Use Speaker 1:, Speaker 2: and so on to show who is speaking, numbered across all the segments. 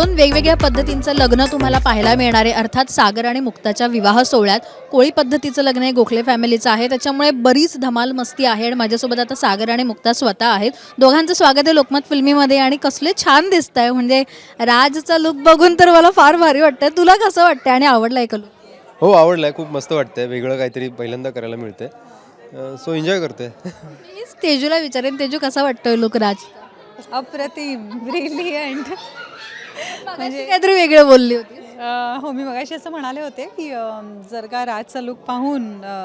Speaker 1: दोन वेगवेगळ्या पद्धतींचं लग्न तुम्हाला पाहायला मिळणार आहे. अर्थात सागर आणि मुक्ताच्या विवाह सोहळ्यात कोळी पद्धतीचं लग्न आहे, गोखले फॅमिलीचं आहे. त्याच्यामुळे बरीच धमाल मस्ती आहे आणि माझ्यासोबत आता सागर आणि मुक्ता स्वतः आहेत. दोघांचं स्वागत आहे लोकमत फिल्मीमध्ये. आणि कसले छान दिसत आहे, म्हणजे राजचा लुक बघून तर मला फार भारी वाटतंय. तुला कसं वाटतंय आणि आवडलाय का लुक?
Speaker 2: हो, आवडलाय. खूप मस्त वाटतंय. वेगळं काहीतरी पहिल्यांदा करायला मिळतंय. सो एन्जॉय करतोय.
Speaker 1: प्लीज तेजूला विचारेन, तेजू कसा वाटतोय लुक राज?
Speaker 3: अप्रतिम, ब्रिलियंट.
Speaker 1: म्हणजे काहीतरी वेगळं बोलली होती.
Speaker 3: हो, मी मगाशी असं म्हणाले होते की जर का राजचा लुक पाहून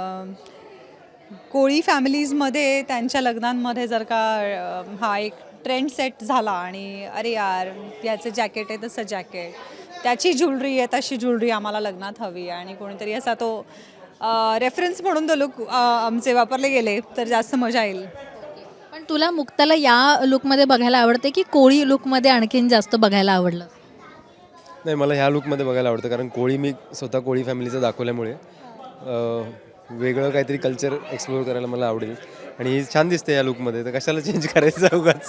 Speaker 3: कोळी फॅमिलीजमध्ये त्यांच्या लग्नांमध्ये जर का हा एक ट्रेंड सेट झाला आणि अरे यार याचं जॅकेट आहे तसं जॅकेट, त्याची ज्वेलरी आहे तशी ज्वेलरी आम्हाला लग्नात हवी आणि कोणीतरी असा तो रेफरन्स म्हणून तो लुक आमचे वापरले गेले तर जास्त मजा येईल.
Speaker 1: पण तुला मुक्ताला या लुकमध्ये बघायला आवडते की कोळी लुकमध्ये आणखीन जास्त बघायला आवडलं?
Speaker 2: नाही, मला ह्या लुकमध्ये बघायला आवडतं, कारण कोळी मी स्वतः कोळी फॅमिलीचं दाखवल्यामुळे वेगळं काहीतरी कल्चर एक्सप्लोअर करायला मला आवडेल. आणि ही छान दिसते या लुकमध्ये, तर कशाला चेंज करायचं उगाच.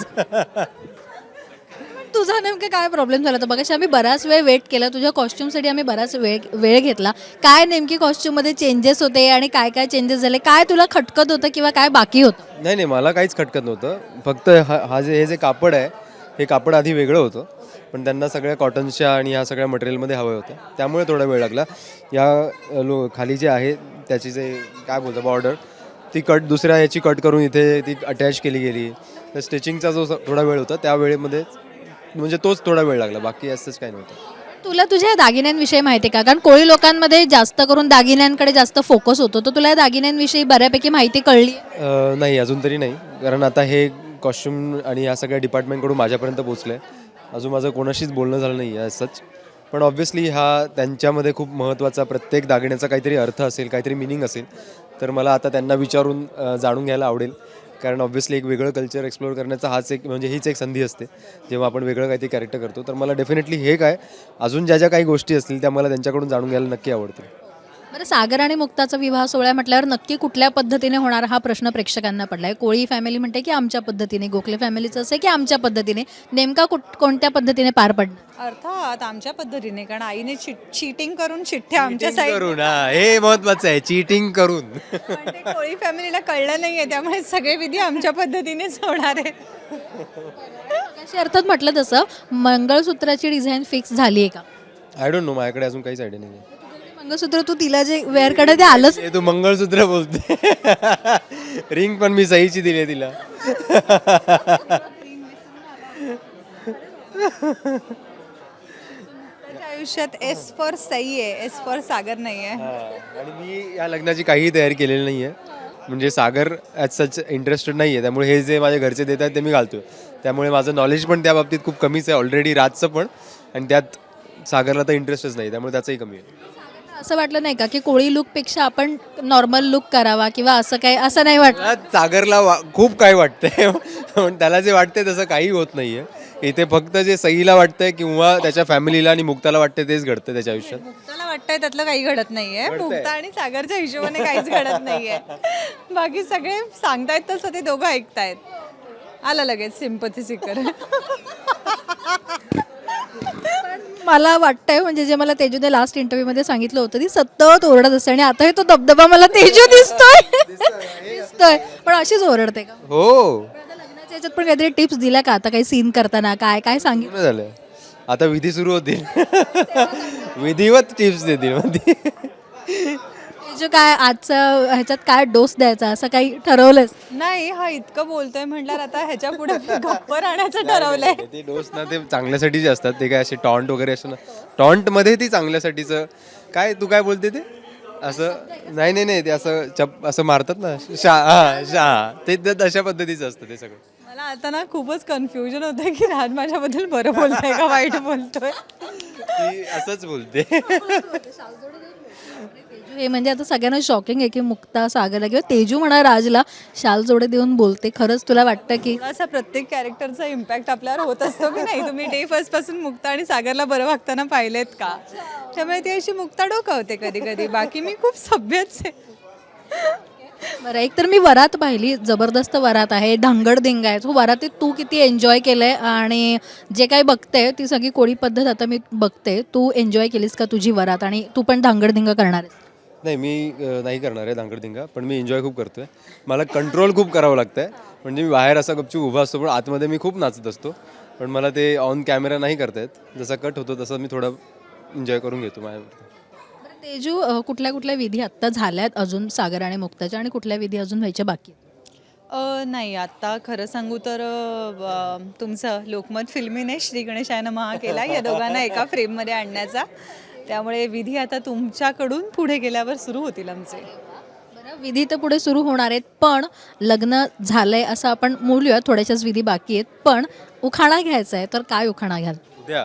Speaker 1: तुझा नेमकं काय प्रॉब्लेम झाला? तर बघा, आम्ही बराच वेळ वेट केला तुझ्या कॉस्ट्युमसाठी, आम्ही बराच वेळ घेतला. काय नेमकी कॉस्ट्युममध्ये चेंजेस होते आणि काय काय चेंजेस झाले? काय तुला खटकत होतं किंवा काय बाकी होतं?
Speaker 2: नाही, मला काहीच खटकत नव्हतं. फक्त हे जे कापड आहे, हे कापड आधी वेगळं होतं, पण त्यांना सगळ्या कॉटन्सच्या आणि ह्या सगळ्या मटेरियलमध्ये हवं होतं, त्यामुळे थोडा वेळ लागला. या खाली जे आहे त्याची जे काय बोलतं बॉर्डर, ती दुसऱ्या याची कट करून इथे ती अटॅच केली गेली. तर स्टिचिंगचा जो थोडा वेळ होता त्या वेळेमध्ये म्हणजे तोच थोडा वेळ लागला, बाकी असंच काही नव्हतं.
Speaker 1: तुला तुझ्या दागिन्यांविषयी माहिती आहे का? कारण कोळी लोकांमध्ये जास्त करून दागिन्यांकडे जास्त फोकस होतो. तर तुला या दागिन्यांविषयी बऱ्यापैकी माहिती कळली?
Speaker 2: नाही, अजून तरी नाही, कारण आता हे कॉस्ट्युम आणि या सगळ्या डिपार्टमेंटकडून माझ्यापर्यंत पोचलं आहे. अजून माझं कोणाशीच बोलणं झालं नाही आहे सच. पण ऑब्व्हियसली त्यांच्यामध्ये खूप महत्त्वाचा, प्रत्येक दागिन्याचा काहीतरी अर्थ असेल, काहीतरी मिनिंग असेल. तर मला आता त्यांना विचारून जाणून घ्यायला आवडेल, कारण ऑब्व्हियसली एक वेगळं कल्चर एक्सप्लोअर करण्याचा हीच एक संधी असते जेव्हा आपण वेगळं काहीतरी कॅरेक्टर करतो. तर मला डेफिनेटली हे काय अजून ज्या काही गोष्टी असतील त्या मला त्यांच्याकडून जाणून घ्यायला नक्की आवडतील.
Speaker 1: बरं, सागर आणि मुक्ताचा विवाह सोहळा म्हटल्यावर नक्की कुठल्या पद्धतीने होणार हा प्रश्न प्रेक्षकांना पडलाय. कोळी फॅमिली म्हणते की आमच्या पद्धतीने, गोखले फॅमिलीचं असं की आमच्या पद्धतीने. नेमका कोणत्या पद्धतीने पार पडणार?
Speaker 3: अर्थात आमच्या पद्धतीने, कारण आईने चीटिंग करून चिठ्ठ्या आमच्या साईड
Speaker 2: करून, हे महत्त्वाचं आहे, चीटिंग करून.
Speaker 3: कोळी फॅमिलीला कळलं नाहीये, त्यामुळे सगळे विधी आमच्या पद्धतीनेच होणार आहे.
Speaker 1: अशी अर्थात म्हटलं तसं मंगळसूत्राची डिझाईन फिक्स झाली आहे का?
Speaker 2: आय डोंट नो, माझ्याकडे अजून काहीच आयडिया नाही आहे.
Speaker 1: मंगळसूत्र तू तिला जे वेअर कडे ते आलंच.
Speaker 2: तू मंगळसूत्र बोलते. रिंग पण मी सहीची दिली आहे तिला.
Speaker 3: त्याच्या आयुष्यात एस फॉर सई आहे, एस फॉर सागर नाही आहे.
Speaker 2: आणि मी या लग्नाची काहीही तयारी केलेली नाही आहे. म्हणजे सागर ॲज सच इंटरेस्टेड नाही आहे, त्यामुळे हे जे माझे घरचे देत आहेत ते मी घालतो. त्यामुळे माझं नॉलेज पण त्या बाबतीत खूप कमीच आहे ऑलरेडी, राजचं पण. आणि त्यात सागरला तर इंटरेस्टच नाही, त्यामुळे त्याचंही कमी आहे.
Speaker 1: असं वाटलं नाही का की कोळी लुकपेक्षा आपण नॉर्मल लुक करावा किंवा असं काही, असं नाही वाटलं?
Speaker 2: सागरला खूप काय वाटतंय, पण त्याला जे वाटतंय तसं काही होत नाहीये. इथे फक्त जे सईला वाटतंय किंवा त्याच्या फॅमिलीला आणि मुक्ताला वाटतंय तेच घडतं त्याच्या आयुष्यात.
Speaker 3: मुक्ताला वाटतंय त्यातलं काही घडत नाहीये. मुक्ता आणि सागरच्या हिशोबाने काहीच घडत नाहीये. बाकी सगळे सांगतायत तसं ते दोघं ऐकतायत. आलं लगेच सिम्पथी सिकर.
Speaker 1: मला वाटतंय, म्हणजे जे मला तेजूने लास्ट इंटरव्ह्यूमध्ये सांगितलं होतं, ती सतत ओरडत असते आणि आता तो दबदबा मला तेजू दिसतोय. पण अशीच ओरडते का?
Speaker 2: हो,
Speaker 1: आता लग्नाच्या याच्यात पण काहीतरी टिप्स दिल्या का? आता काही सीन करताना काय काय सांगितलं?
Speaker 2: पूर्ण झालं. आता विधी सुरू होतील. विधिवत टिप्स देतील मध्ये.
Speaker 1: तेजू, काय आजचं ह्याच्यात काय डोस द्यायचा असं काही ठरवलंस?
Speaker 3: नाही, हा इतकं बोलतोय म्हटल्यावर आता ह्याच्या पुढे गप्प राहण्याचं ठरवलंय.
Speaker 2: ते डोस ना ते चांगल्यासाठी जे असतात, ते काय असे टॉन्ट वगैरे असं ना, टॉन्ट मध्ये ती चांगल्यासाठीचं काय, तू काय बोलते ते असं नाही ते असं मारतात ना, ते अशा पद्धतीचं असतं ते सगळं.
Speaker 3: मला आता ना खूपच कन्फ्युजन होतंय की राज माझ्याबद्दल बरं बोलतोय का वाईट बोलतोय.
Speaker 2: ती असंच बोलते.
Speaker 1: तेजू, हे म्हणजे आता सगळ्यांना शॉकिंग आहे की मुक्ता सागरला किंवा तेजू म्हणा राजला शाल जोडे देऊन बोलते. खरंच तुला वाटतं की
Speaker 3: असा प्रत्येक कॅरेक्टरचा इम्पॅक्ट आपल्यावर होत असतो की नाही? तुम्ही डे फर्स्ट पासून मुक्ता आणि सागरला बरं वागताना पाहिलेत का? त्यामुळे ती अशी मुक्ता डोकावते कधी कधी. बाकी मी खूप सभ्यच आहे.
Speaker 1: बरं, एक तर मी वरात पाहिली, जबरदस्त वरात आहे, धांगडधिंग आहे. तो वरातीत तू किती एन्जॉय केलंय आणि जे काही बघते ती सगळी कोळी पद्धत आता मी बघते. तू एन्जॉय केलीस का तुझी वरात आणि तू पण धांगडधिंग करणार आहेस?
Speaker 2: नाही मी नाही करणार आहे धांगडधिंगा, पण मी एन्जॉय खूप करतोय. मला कंट्रोल खूप करावं लागतं आहे. म्हणजे मी बाहेर असा गपचूप उभा असतो, पण आतमध्ये मी खूप नाचत असतो. पण मला ते ऑन कॅमेरा नाही करता येत. जसा कट होतो तसं मी थोडं एन्जॉय करून घेतो माझ्यावरती.
Speaker 1: बरं तेजू, कुठल्या कुठल्या विधी आत्ता झाल्यात अजून सागर आणि मुक्ताच्या आणि कुठल्या विधी अजून व्हायच्या बाकी आहेत?
Speaker 3: नाही आत्ता खरं सांगू तर तुमचं लोकमत फिल्मीने श्री गणेशाय नमः केला या दोघांना एका फ्रेममध्ये आणण्याचा. त्यामुळे विधी आता तुमच्याकडून पुढे गेल्यावर सुरू होतील आमचे.
Speaker 1: बरं, विधी तर पुढे सुरू होणार आहेत, पण लग्न झालंय असं आपण बोलूया, थोड्याशाच विधी बाकी आहेत. पण उखाणा घ्यायचा आहे, तर काय उखाणा घ्याल?
Speaker 2: उद्या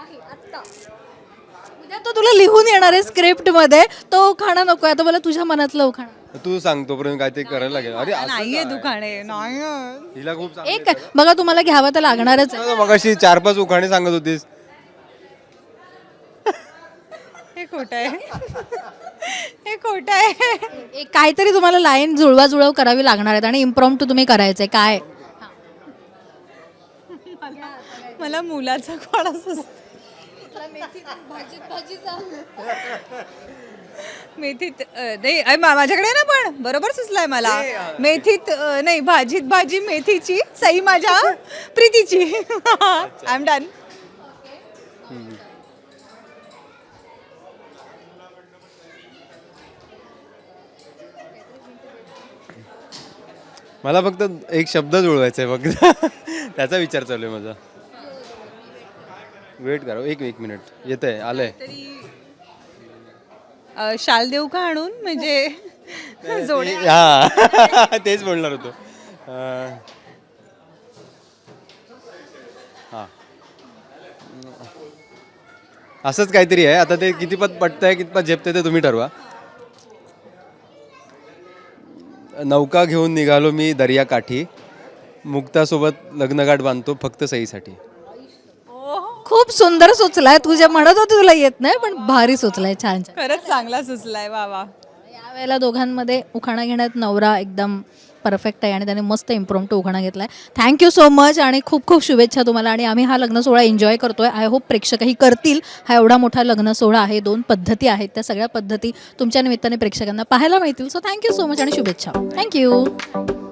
Speaker 1: उद्या तो तुला लिहून येणार आहे स्क्रिप्टमध्ये, तो उखाणा नको आता मला तुझ्या मनातलं उखाणा.
Speaker 2: तू सांग, तोपर्यंत काय ते करायला लागेल. अरे असं
Speaker 3: नाहीये
Speaker 2: काय?
Speaker 3: दुकाने नाही
Speaker 2: हिला खूप चांगलं
Speaker 1: एक बघा, तुम्हाला घ्यावं तर लागणारच आहे.
Speaker 2: येतं. मगाशी 4-5 उखाणे सांगत होतीस.
Speaker 3: हे खोटं आहे. हे खोटं आहे.
Speaker 1: एक काहीतरी तुम्हाला लाईन जुळवाजुळव करावी लागणार आहेत आणि इम्प्रॉम्प्टू तुम्ही करायचंय काय?
Speaker 3: मला मुलाचा खोडा सुचतो. मेथीत नाही माझ्याकडे आहे ना, पण बरोबर सुचलाय मला. मेथीत नाही, भाजीत भाजी मेथीची, सई माझ्या प्रीतीची. I am done.
Speaker 2: मला फक्त एक शब्द जुळवायचा आहे फक्त. त्याचा विचार चालू आहे माझा. वेट करा, एक मिनिट. येत आहे, आलंय.
Speaker 3: शाल देऊ का आणून, म्हणजे जोडे.
Speaker 2: हा तेच बोलणार होतो. हा असंच काहीतरी आहे. आता ते कितीपत पटतंय कितपत झेपतंय ते तुम्ही ठरवा. नौका घेऊन निघालो मी दर्याकाठी, मुक्तासोबत लग्नगाठ बांधतो फक्त सईसाठी.
Speaker 1: खूप सुंदर सुचलाय. तुझ्या म्हणत होती तुला येत नाही, पण भारी सुचलाय. छान छान.
Speaker 3: खरंच चांगला सुचलाय. वा वा.
Speaker 1: यावेळेला दोघांमध्ये उखाणा घेण्यात नवरा एकदम परफेक्ट आहे आणि त्याने मस्त इम्प्रॉम्प्टू उखाणा घेतलाय. थँक्यू सो मच आणि खूप खूप शुभेच्छा तुम्हाला. आणि आम्ही हा लग्न सोहळा एन्जॉय करतोय. आय होप प्रेक्षकही करतील. हा एवढा मोठा लग्न सोहळा आहे, 2 पद्धती आहेत, त्या सगळ्या पद्धती तुमच्या निमित्ताने प्रेक्षकांना पाहायला मिळतील. सो थँक्यू सो मच आणि शुभेच्छा. थँक्यू.